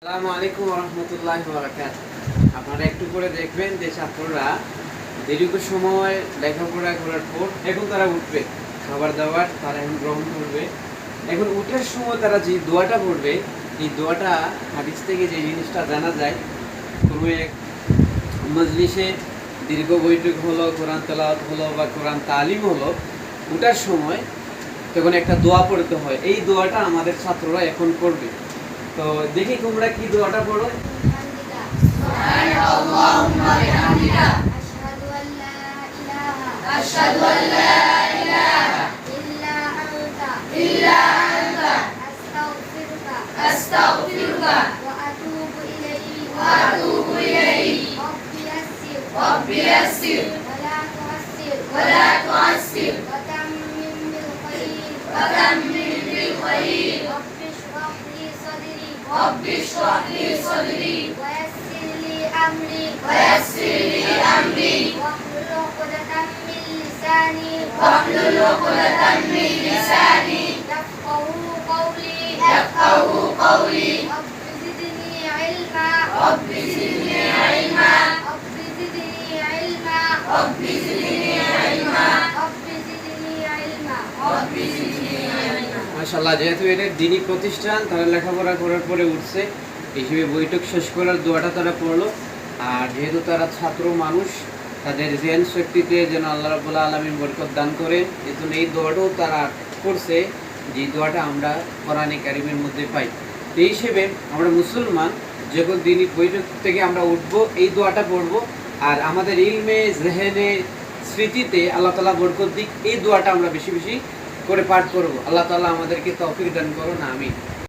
আসসালামু আলাইকুম ওয়া রাহমাতুল্লাহি ওয়া বারাকাতুহু। আপনারা একটু করে দেখবেন যে ছাত্ররা দীর্ঘ সময় লেখাপড়া করার পর এখন তারা উঠবে, খাবার দাবার তারা এখন গ্রহণ করবে। এখন উঠার সময় তারা যে দোয়াটা পড়বে, এই দোয়াটা হাদিস থেকে যে জিনিসটা জানা যায়, কোনো এক মজলিসে দীর্ঘ বৈঠক হলো, কোরআন তেলাওয়াত হলো বা কোরআন তালিম হলো, উঠার সময় তখন একটা দোয়া পড়তে হয়। এই দোয়াটা আমাদের ছাত্ররা এখন পড়বে। তো দেখি তোমরা কি দোয়াটা পড়ো। সুবহানাল্লাহুম্মা বিহামদিকা আশহাদু আল্লা ইলাহা ইল্লা আনতা আস্তাগফিরুকা ওয়া আতুবু ইলাইক রাব্বি ইয়াসসির ওয়া লা তু'আসসির ওয়া তাম্মিম বিল খায়র رب اشرح لي صدري ويسر لي أمري واحلل عقدة من لساني يفقهوا قولي رب زدني علما মাশাআল্লাহ, যেহেতু এটা দ্বীনি প্রতিষ্ঠান, তারা লেখাপড়া করার পরে উঠছে হিসেবে বৈঠক শেষ করার দোয়াটা তারা পড়লো। আর যেহেতু তারা ছাত্র মানুষ, তাদের জ্ঞান শক্তিতে যেন আল্লাহ রাব্বুল আলামিন বরকত দান করেন, এজন্য এই দোয়াটাও তারা করছে, যে দোয়াটা আমরা কোরআনে কারিমের মধ্যে পাই। এই হিসেবে আমরা মুসলমান যখন দ্বীনি বৈঠক থেকে আমরা উঠবো, এই দোয়াটা পড়বো। আর আমাদের ইলমে, জেহেনে, স্মৃতিতে আল্লাহ তাআলা বরকত দিক, এই দোয়াটা আমরা বেশি বেশি করে পাঠ করব। আল্লাহ তাআলা আমাদেরকে তৌফিক দান করুন, আমিন।